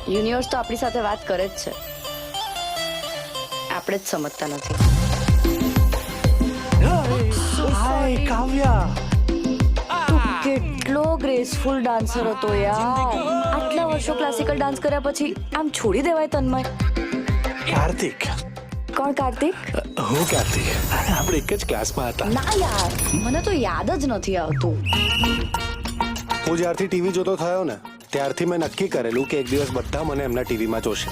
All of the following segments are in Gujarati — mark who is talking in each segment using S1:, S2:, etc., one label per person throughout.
S1: યુનિવર્સ તો આપણી સાથે વાત કરે જ છે, આપણે જ સમજતા નથી.
S2: હાય કાવ્યા,
S1: તું કેટલો ગ્રેસફુલ ડાન્સર હતો યાર. આટલા વર્ષો ક્લાસિકલ ડાન્સ કર્યા પછી આમ છોડી દેવાય તન્મય?
S2: કાર્તિક.
S1: કોણ કાર્તિક?
S2: હું કાર્તિક, આપણે એક જ ક્લાસમાં હતા.
S1: ના યાર, મને તો યાદ જ નથી આવતું.
S3: હું જ્યારથી ટીવી જોતો થયો ને ત્યારથી મેં નક્કી કરેલું કે એક દિવસ બધા મને એમના ટીવીમાં જોશે.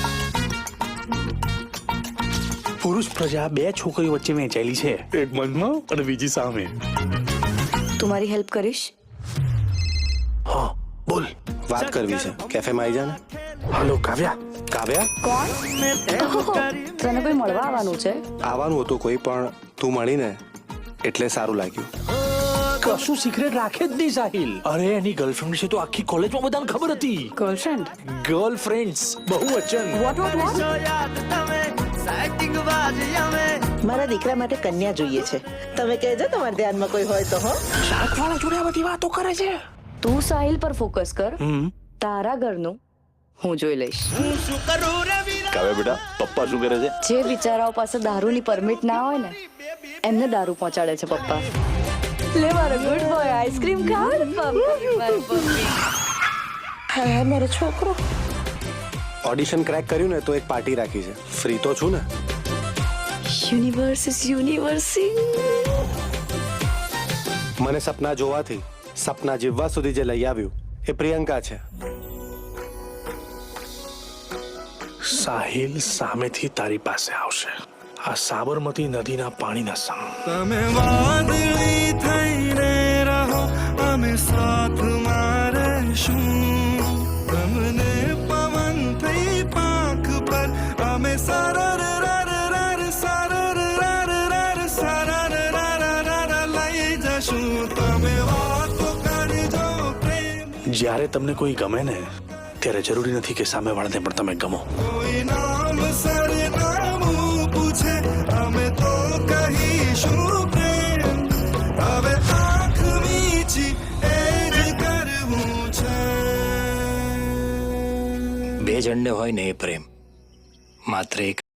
S2: પુરુષ પ્રજા બે છોકરીઓ વચ્ચે વહેંચાયેલી છે, એક મનમાં અને બીજી સામે.
S1: તું મારી હેલ્પ કરીશ?
S2: હા બોલ.
S3: વાત કરવી છે, કેફેમાં આવી જાને.
S2: હાલો કાવ્યા.
S3: કાવ્યા?
S1: કોણ? ઓહો, તને કોઈ મળવા આવવાનું છે?
S3: આવવાનું હતું કોઈ, પણ તું મળીને એટલે સારું લાગ્યું.
S2: કશું સિક્રેટ રાખે જ નહીં સાહિલ. અરે એની ગર્લફ્રેન્ડ છે તો આખી કોલેજમાં બધાને ખબર હતી.
S1: ગર્લફ્રેન્ડ?
S2: ગર્લફ્રેન્ડ્સ બહુવચન.
S4: મારા દીકરા માટે કન્યા જોઈએ છે. તમે કહેજો તમારા ધ્યાનમાં કોઈ હોય તો. હો,
S2: શાકવાળા જોડે આ બધી વાતો કરે છે.
S1: તું સાહિલ પર ફોકસ કર, તારા ઘરનું હું જોઈ લઈશ.
S5: કાવ્યા બેટા, પપ્પા શું કરે છે?
S1: જે બિચારાઓ પાસે દારૂની પરમિટ ના હોય ને એમને દારૂ પહોંચાડે છે પપ્પા. લે મારો ગુડ બોય, આઈસ્ક્રીમ ખાવ ને પપ્પા.
S4: મારો છોકરો.
S3: ઓડિશન ક્રેક કર્યું ને તો એક પાર્ટી રાખી છે. ફ્રી તો છું ને.
S1: Universe is universing.
S3: મને સપના જોવાથી સપના જીવવા સુધી જે લઈ આવ્યું એ પ્રિયંકા છે.
S2: સાહિલ સામેથી તારી પાસે આવશે, આ સાબરમતી નદીના પાણીના સંગ.
S6: તમે વાદળી થઈને રહો, અમે સાથમાં રહેશું. તમને પવન થઈ પાંખ પર, અમે સરર લઈ જશું. તમે વાતો કરજો પ્રેમ.
S2: જ્યારે તમને કોઈ ગમે ને ત્યારે જરૂરી નથી કે સામેવાળાને પણ તમે ગમો.
S6: કોઈ નામ સરનામું પૂછે, અમે તો કહીશું પ્રેમ. હવે આંખ મીચી એ જ કરવું છે.
S7: બે જણને હોય ને એ પ્રેમ, માત્ર એક